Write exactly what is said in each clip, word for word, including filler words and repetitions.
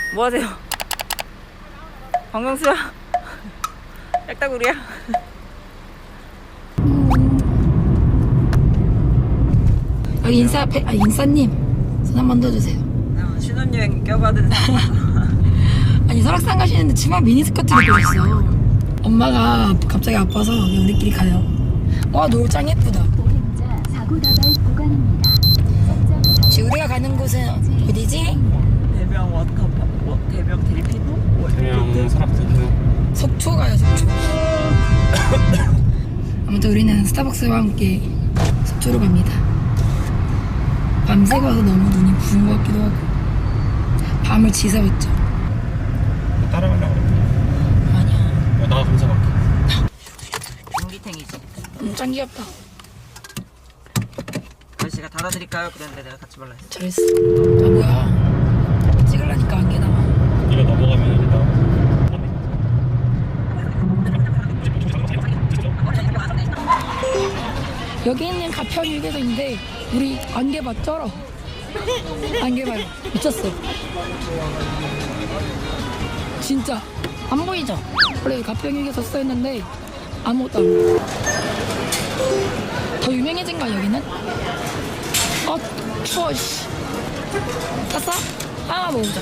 뭐 하세요? 방광수야? 약다구리야? 여기 인싸, 아, 인싸님 손 한 번 더 주세요. 신혼여행 껴받은 사람. 아니 설악산 가시는데 치마 미니스커트를 입으셨어. 엄마가 갑자기 아파서 여기 우리끼리 가요. 와 노을 짱 예쁘다. 지금 우리가 가는 곳은 어디지? 대명 워터파크, 워- 대명 델피노? 대명 설악산 속초 가요 속초. 아무튼 우리는 스타벅스와 함께 속초로 갑니다. 밤새 가서 너무 눈이 부은 것 같기도 하고 밤을 지새웠죠. 따라가려고 그래. 아니야. 어, 나 감사할게. 전기탱이지. 음, 짱 귀엽다. 아저씨가 달아드릴까요? 그랬는데 내가 같이 말라 했어. 잘했어. 아 뭐야? 찍으려니까 안개 나와. 이거 넘어가면 일단 여기 있는 가평 휴게소인데 우리 안개 봐 쩔어. 안개 봐요. 미쳤어. 진짜 안 보이죠? 원래 가평 휴게소 써있는데 아무것도 안 보여. 더 유명해진 거야 여기는? 아 추워 씨. 샀어? 하나 먹자.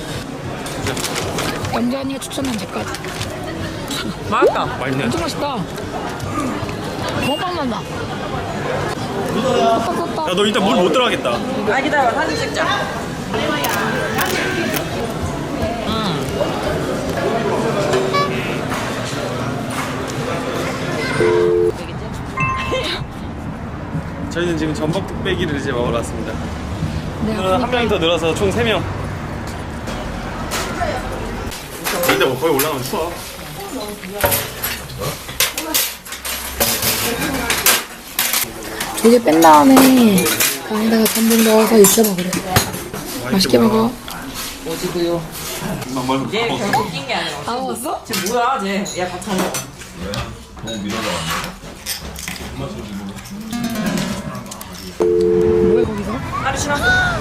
영재 언니가 추천한 제까지. 맛있다. 맛있네. 엄청 맛있다. 먹방 난다. 떴다 떴다. 야, 너 일단 물 못 들어가겠다. 아 기다려 사진 찍자. 저희는 지금 전복 뚝배기를 이제 먹으러 왔습니다. 내가 한 명이 더 늘어서 총 세 명. 근데 뭐 거의 올라가면 추워. 조개 뺀 다음에 안에다가 전분 넣어서 익혀 먹으래. 맛있게 먹어. 오지구요. 뭘 얘 결국 낀 게 아니라. 다 먹었어? 쟤 뭐야 쟤? 야 같이 안 먹어. 뭐해 거기서? 하루 지났어.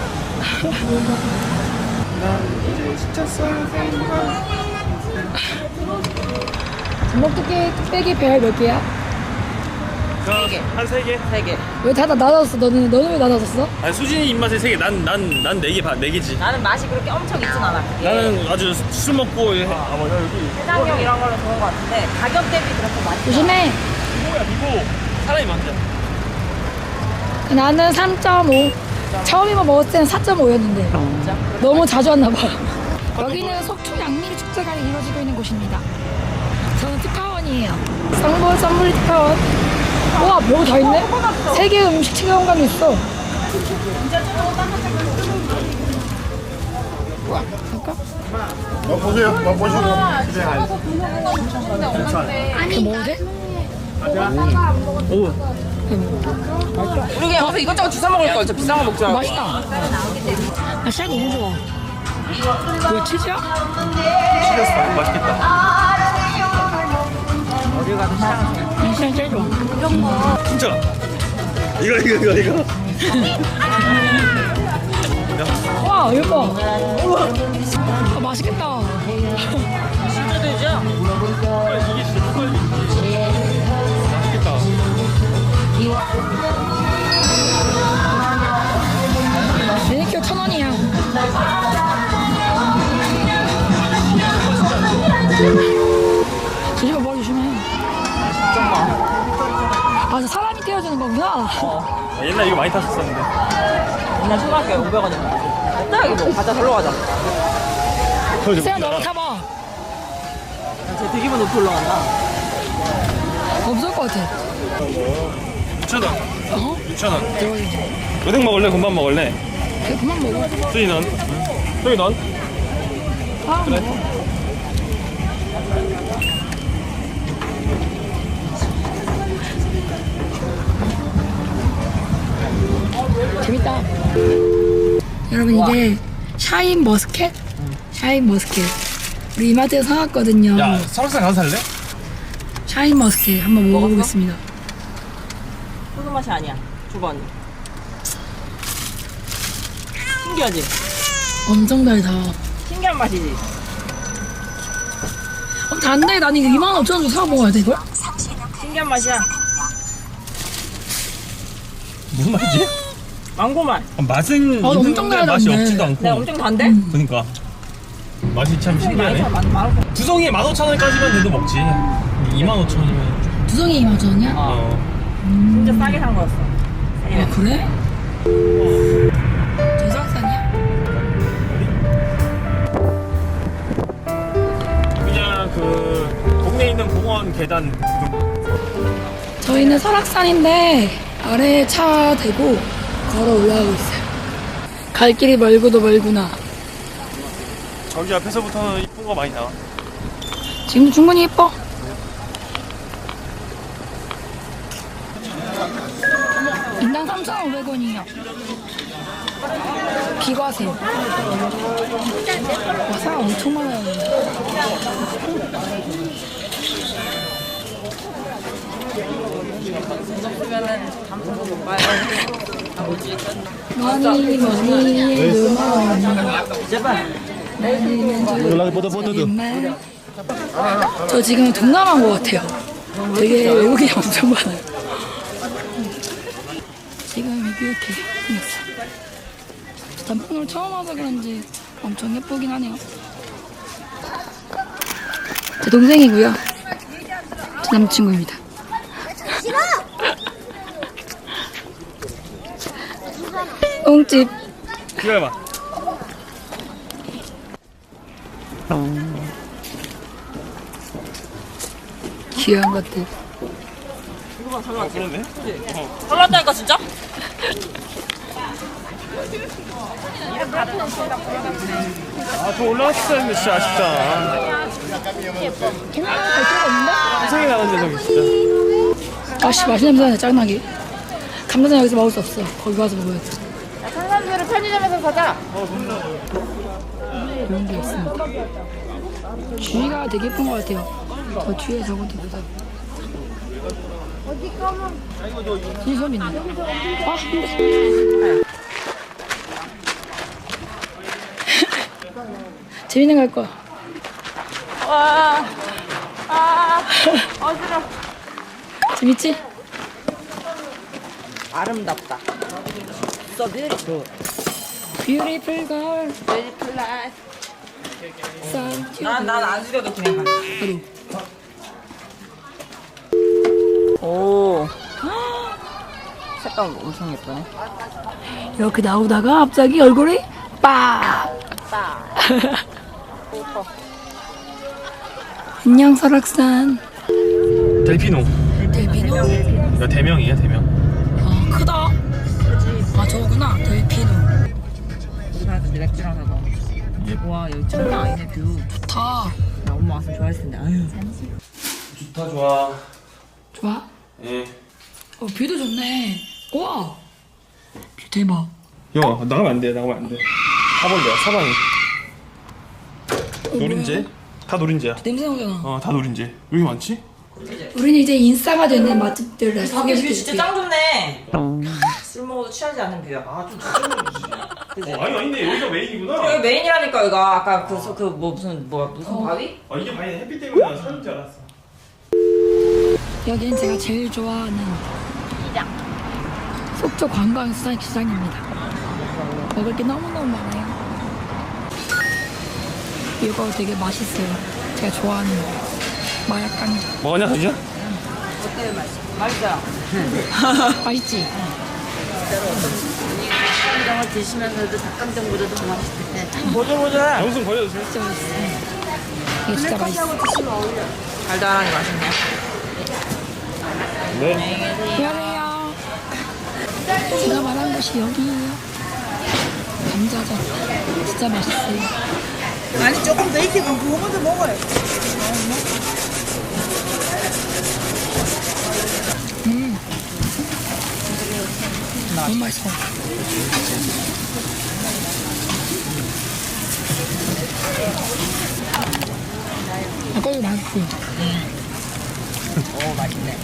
전복 뚝배, 뚝배기 배열 몇 개야? 세 개. 한 세 개? 세 개. 왜 다 나눠줬어? 너는 너는 왜 나눠줬어? 아니 수진이 입맛에 세 개. 난 난 난 네 개 반, 네 개지. 나는 맛이 그렇게 엄청 있진 않아. 그게. 나는 아주 술 먹고 해. 아 뭐야 여기. 해장용 이런 걸로 좋은 것 같은데 가격 대비 그렇게 맛있어. 조심해. 뭐야 이거 사람이 많다. 나는 삼 점 오. 처음이만 먹었을 때는 사 점 오였는데 진짜? 너무 자주 왔나 봐. 여기는 속초 양미리 축제가 이루어지고 있는 곳입니다. 저는 특파원이에요. 상보 선물 특파원. 와, 여기 다 있네? 세계 음식 체험관이 있어. 와, 잠깐. 보세요. 보시고. 이거 먹어도 돼? 오. 우리 그냥 여기서 이것저것 주워 먹을 걸. 저 비싼 거 먹지 말고. 맛있다. 나 쌀 너무 좋아. 뭐야, 치즈야? 맛있겠다. 어디 가도 시장. 이 시장 제일 좋아. 진짜. 이거 이거 이거 이거. 와, 예뻐. 아, 맛있겠다. 진짜 되죠? 이게 진짜 맛있겠다. 매니큐어 천 원이야. 조심해, 머리 조심해. 아, 저 사람이 떼어주는 거구나. 아, 옛날 이거 많이 탔었었는데. 옛날 초등학교에 오백 원이었는데. 딱 이거 가자 절로 가자. 세영 너가 타봐. 쟤 되게 기분 높이 올라간다. 없을 것 같아. 육천 원. 어? 육천 원. 대박이지. 은행 먹을래? 금방 먹을래? 그래, 그만 먹어. 수진이 넌? 형이 넌? 아, 그래. 먹어. 재밌다. 여러분 이게 샤인 머스켓? 샤인 머스켓. 우리 이마트에서 사왔거든요. 야, 설악산 가서 살래? 샤인 머스켓 한번 먹어보겠습니다. 소주 맛이 아니야. 줘봐 언니. 신기하지? 엄청 달다. 신기한 신기한 맛이지. 어, 단데 난 이거 이만 오천 원 주고 사 먹어야 돼 이걸? 신기한 맛이야. 무슨 맛이지? 망고 맛. 아, 맛은 아, 엄청 있는데 맛이 달달한데. 없지도 않고. 네, 엄청 단데? 그러니까 맛이 참 신기하네. 많이 많고. 두성이 만 오천 원까지만 돼도 먹지. 이만 오천 원이면. 두성이 이만 오천 원이야? 어. 진짜 싸게 산 거였어. 아 그래? 저상산이야? 그냥 그 동네에 있는 공원 계단 그 저희는 설악산인데 아래에 차 대고 걸어 올라가고 있어요. 갈 길이 멀고도 멀구나. 저기 앞에서부터는 이쁜 거 많이 나와. 지금도 충분히 예뻐. 인당 삼천오백 원이요. 비과세. 와, 사람 엄청 많아요. 많이 많이 누마니 제발. 연락이 뻗어 뻗어도. 저 지금 동남아인 것 같아요. 되게 외국인이 엄청 많아요. 지금 이렇게 생겼어. 단풍을 처음 와서 그런지 엄청 예쁘긴 하네요. 제 동생이고요. 제 남친구입니다. 똥집. 기다려봐. 귀여운 것들. 어, 그러네. 설렜다니까 진짜? 아, 저 올라왔어야 했는데 진짜 아쉽다. 캐나다 갈 데가 없는데? 생이 나는데 저기 진짜. 아씨, 맛있는 냄새 나네, 짱나게. 감자전 여기서 먹을 수 없어. 거기 가서 먹어야 돼. 탄산수를 편의점에서 사자. 이런 게 있습니다. 주위가 되게 예쁜 것 같아요. 저 뒤에 저것도 보자. 진이 소리 있네. 아, 근데. 재민이 갈 거야. 와. 아. 어지러. 재밌지? 아름답다. So beautiful. Beautiful girl. Beautiful life. Sun to 난난안 죽여도 그냥 가. 나도. 오. 색감 엄청 예쁘네. 이렇게 나오다가 갑자기 얼굴이 빡. 빠. 예뻐. 안녕 설악산. 델피노. 델피노. 이거 대명이야 대명. 아 크다. 아 저거구나 델피노. 우리 가서 맥주랑 사고. 와 여기 장난 아니네 뷰. 좋다. 나 엄마 왔으면 좋아했을 텐데. 아유. 좋다 좋아. 좋아? 예. 어 뷰도 좋네. 우와. 뷰 대박. 형 나가면 안 돼. 나가면 안 돼. 사벌레야 사방이. 어, 노린재? 뭐야? 다 노린재야. 냄새 나잖아. 어 다 노린재. 왜 이렇게 많지? 우리는 이제 인싸가 되는 맛집들을 밖에 뷰 소개시켜줄게. 진짜 짱 좋네. 술 먹어도 취하지 않는 뷰야. 아좀 그지? 어, 아니 아닌데 여기가 메인이구나. 여기 메인이라니까 이거 아까 그그뭐 무슨 뭐 무슨 바위? 아 이게 많이 햇빛 때문에 난 사는 줄 알았어. 여기는 제가 제일 좋아하는 속초 관광수산시장입니다. 먹을 게 너무너무 많아요. 이거 되게 맛있어요. 제가 좋아하는 마약간. 먹었냐 서지야? 어때요 맛이? 맛있어요. 맛있지? 닭강정을 드시면서도 닭강정보다도 더 맛있을 텐데. 보들보들해. 영순 버려주세요. 진짜 맛있어. 이게 진짜 맛있어. 달달하니 맛있네. 네. 미안해요. 제가 말한 곳이 여기예요. 감자전. 진짜 맛있어요. 아니 조금 더 익히면 그거 먼저 먹어요. 음. 너무 맛있어. 아까도 맛있고. 오 맛있네.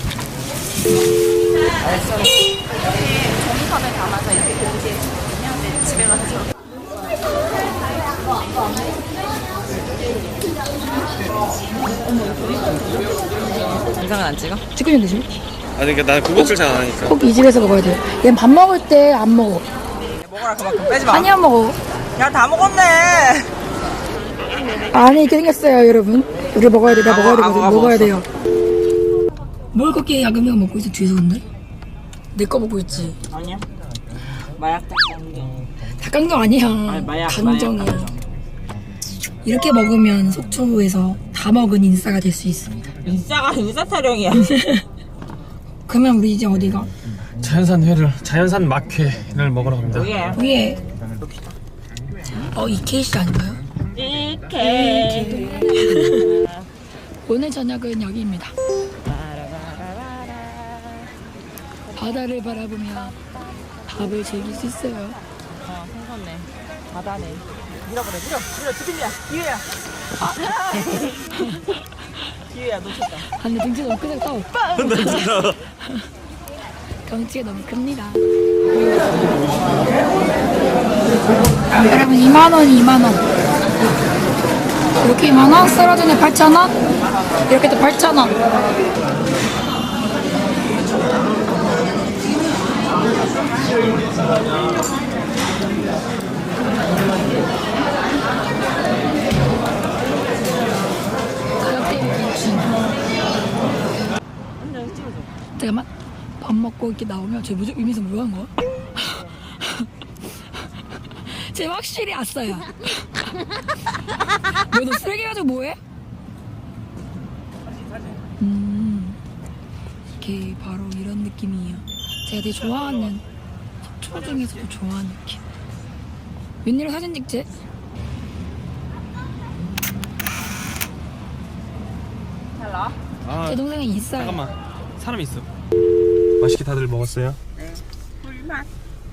종이컵에 담아서 이렇게 공지해 주거든요. 네, 집에 가서 영상은 안 찍어? 찍고 있는데 지금? 아니 그러니까 나 그것을 잘 안 하니까. 꼭 이 집에서 먹어야 돼. 얘는 밥 먹을 때 안 먹어. 먹어라 그만큼 빼지 마. 많이 안 먹어. 야 다 먹었네. 안에 이렇게 생겼어요, 여러분. 우리 먹어야 돼. 나 아, 먹어야 아, 되거든. 아, 먹어야 먹었어. 돼요. 뭘 그렇게 야금야금 먹고 있어, 뒤에서 근데? 내 거 먹고 있지. 아니야. 마약 닭강정. 닭강정 아니야. 아니, 마약, 강정이야. 마약 이렇게 먹으면 속초에서 다 먹은 인싸가 될 수 있습니다. 인싸가 인싸 타령이야. 그러면 우리 이제 어디가? 자연산 회를 자연산 막회를 먹으러 갑니다. 위에. 위에. 어, 이케이시 아닌가요? 이케. 오늘 저녁은 여기입니다. 바다를 바라보며 밥을 즐길 수 있어요. 어 생선네. 바다네. 밀어버려 밀어 밀어 주빈이야 기회야. 기회야 놓쳤다. 아, 근데 등치가 너무 크다. 따오. 덩치가 너무 큽니다. 여러분 이만 원, 이만 원. 이렇게 이만 원, 썰어주네 팔천 원. 이렇게 또 팔천 원. 잠깐만. 밥 먹고 이렇게 나오면 쟤 뭐지? 이미서 뭐 하는 거야? 쟤 확실히 아싸야. 너 쓰레기 가지고 뭐해? 음, 이렇게 바로 이런 느낌이에요. 제가 되게 좋아하는 속초 중에서도 좋아하는 느낌. 웬일로 사진 찍지? 잘라. 아 제 동생은 있어요. 잠깐만. 사람이 있어. 맛있게 다들 먹었어요? 네. 꿀맛.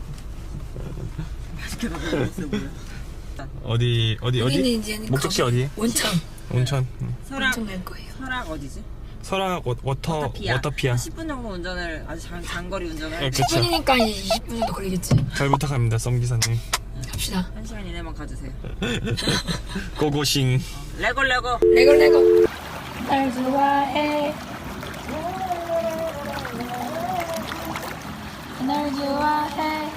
맛있게 먹었어요. 어디 어디 여기는 어디? 이제는 목적지 거기 어디? 원천. 온천. 응. 설악. 원천 갈 거예요. 설악 어디지? 설악 워, 워터 워터피아. 워터피아. 십 분 정도 운전을 아주 장, 장거리 운전을. 네, 십 그쵸. 분이니까 이제 이십 분 정도 걸리겠지. 잘 부탁합니다, 썸 기사님. 갑시다. 한 시간 이내만 가주세요. 고고싱. 레고 레고. 레고 레고. 날 좋아해. 날 좋아해.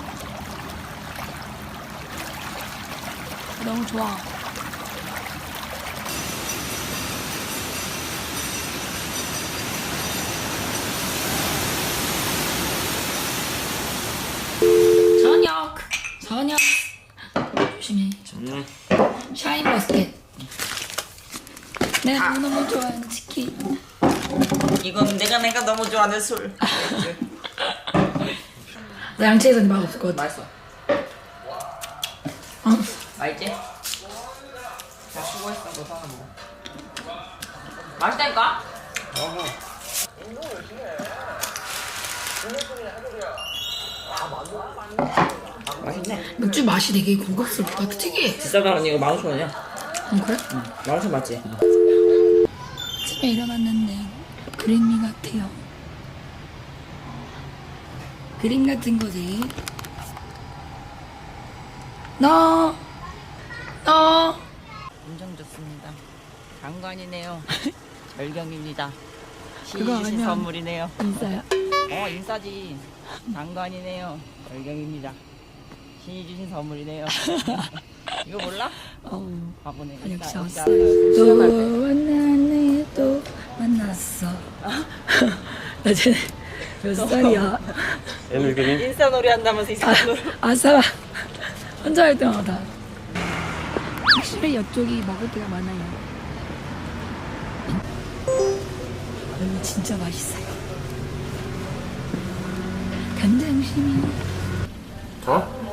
너무 좋아. 저녁. 저녁. 조심해. 음. 샤인머스켓. 내가 너무너무 좋아하는 치킨. 이건 내가 내가 너무 좋아하는 술. 나 양치에서는 맛 없을 것 같아. 맛있어. 어. 맛있지? 자 수고했어. 너 사람 먹어. 맛있다니까? 맛있네. 맥주 맛이 되게 고급스러울 것 같아. 특이해. 비싸다 언니 이거 만 오천 원이야. 응, 그래? 만 오천 맞지? 아침에 일어났는데 그림이 같아요. 그림 같은 거지. 너, 너. 엄청 좋습니다. 장관이네요. 절경입니다. 신이 그거 주신 아니야. 선물이네요. 인싸야. 어 인싸지. 장관이네요. 절경입니다. 신이 주신 선물이네요. 이거 몰라? 어, 바보네. 아, 역시 역시 왔어. 알아요. 또 만났네, 또 만났어. 나 쟤네 몇 살이야? 애들 그림. 인싸놀이 한다면서 인싸놀이. 아싸라. 혼자 할 때마다. 확실히 이쪽이 먹을 때가 많아요. 여기 진짜 맛있어요. 간장심이. 어?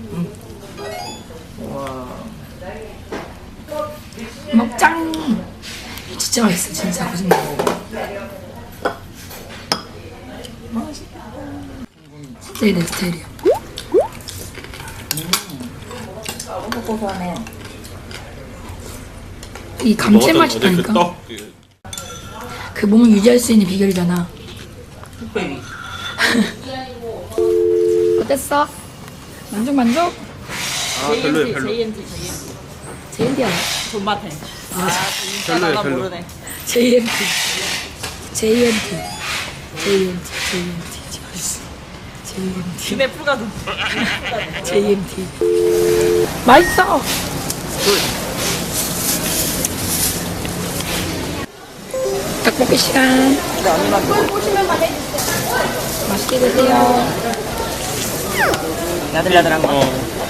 먹장. 진짜 맛있어, 진짜 거짓말. 진짜 내 스타일이야. 너무 고소하네. 이 감칠맛이 나니까. 그 몸을 유지할 수 있는 비결이잖아. 베이비. 어땠어? 만족 만족? 아 별로야 별로. 제이엔티 제이엔티. 제이엠티 알아? 존맛해. 아, 진짜 별로예요, 나 별로. 모르네. 제이엠티. 제이엠티. 제이엠티. 제이엠티. 제이엠티. 김에 풀가도. 제이엠티. 맛있어. 떡볶이 시간. 이거 언니만 먹어. 맛있게 드세요. 야들야들한 거.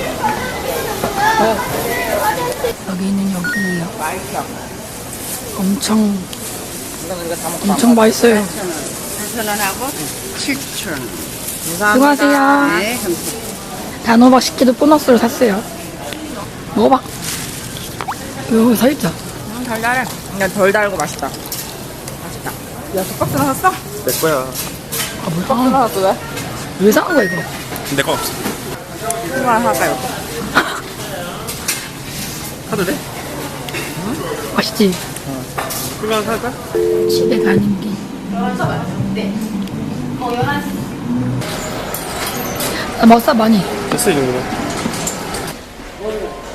어. 여기는 여기예요. 맛있어. 엄청 이건 우리가 다 먹고. 엄청 맛있어요. 팔천 원하고 칠천 원. 수고하세요. 네, 감사합니다. 단호박 십 개도 보너스로 샀어요. 먹어봐. 이거 살짝. 음, 달달해. 그냥 덜 달고 맛있다. 맛있다. 야, 두 박스나 샀어? 내 거야. 아, 뭐야. 하나 샀어, 왜? 왜 사는 거야, 이거? 내 거 없어. 하나 살까요? 사도 돼? 맛있지? 그거 살까? 집에 가는 길. 아, 맛있어, 많이. 됐어, 이 정도면.